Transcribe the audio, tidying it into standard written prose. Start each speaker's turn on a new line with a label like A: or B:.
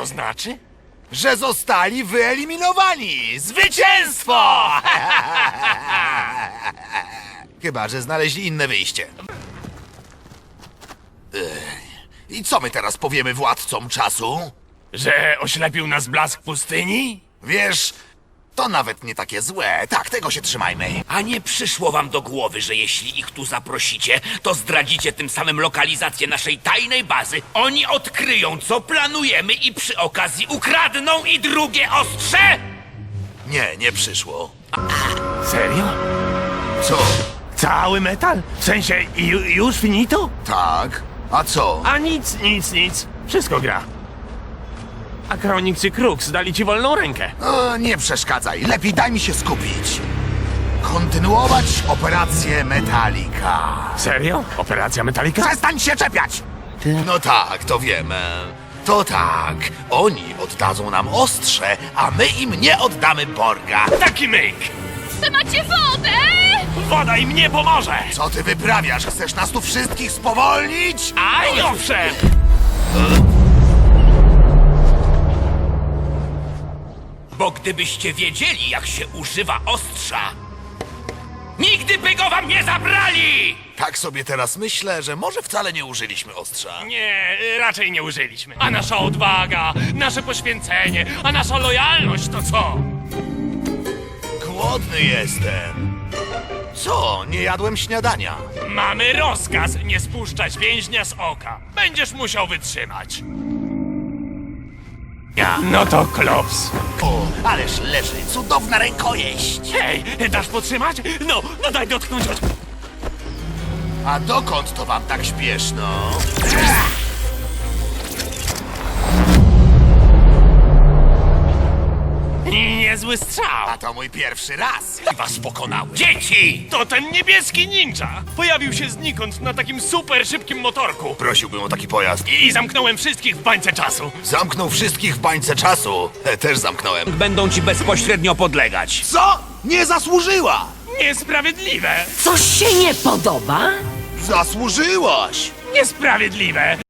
A: to znaczy?
B: Że zostali wyeliminowani! Zwycięstwo! Chyba, że znaleźli inne wyjście. I co my teraz powiemy władcom czasu?
A: Że oślepił nas blask pustyni?
B: Wiesz, to nawet nie takie złe. Tak, tego się trzymajmy.
C: A nie przyszło wam do głowy, że jeśli ich tu zaprosicie, to zdradzicie tym samym lokalizację naszej tajnej bazy. Oni odkryją, co planujemy i przy okazji ukradną i drugie ostrze?
B: Nie, nie przyszło.
A: Serio?
B: Co?
A: Cały metal? W sensie już finito?
B: Tak? A co?
A: A nic. Wszystko gra. A Kronix i Krux dali ci wolną rękę.
B: O, nie przeszkadzaj. Lepiej daj mi się skupić. Kontynuować operację Metallica.
A: Serio? Operacja Metallica?
B: Przestań się czepiać! No tak, to wiemy. To tak. Oni oddadzą nam ostrze, a my im nie oddamy Borga.
A: Taki myk!
D: Wy macie wodę!
A: Woda im nie pomoże!
B: Co ty wyprawiasz? Chcesz nas tu wszystkich spowolnić?
A: Aj, owszem!
C: Bo gdybyście wiedzieli, jak się używa ostrza, nigdy by go wam nie zabrali!
B: Tak sobie teraz myślę, że może wcale nie użyliśmy ostrza.
A: Nie, raczej nie użyliśmy. A nasza odwaga, nasze poświęcenie, a nasza lojalność to co?
B: Głodny jestem. Co? Nie jadłem śniadania.
A: Mamy rozkaz nie spuszczać więźnia z oka. Będziesz musiał wytrzymać. No to klops.
B: O, ależ leży cudowna rękojeść.
A: Hej, dasz potrzymać? No daj dotknąć.
B: A dokąd to wam tak śpieszno?
A: Niezły strzał.
B: A to mój pierwszy raz.
C: I was pokonały. Dzieci!
A: To ten niebieski ninja. Pojawił się znikąd na takim super szybkim motorku.
B: Prosiłbym o taki pojazd.
A: I zamknąłem wszystkich w bańce czasu.
B: Zamknął wszystkich w bańce czasu. Też zamknąłem.
C: Będą ci bezpośrednio podlegać.
B: Co? Nie zasłużyła!
A: Niesprawiedliwe!
E: Coś się nie podoba?
B: Zasłużyłaś!
A: Niesprawiedliwe!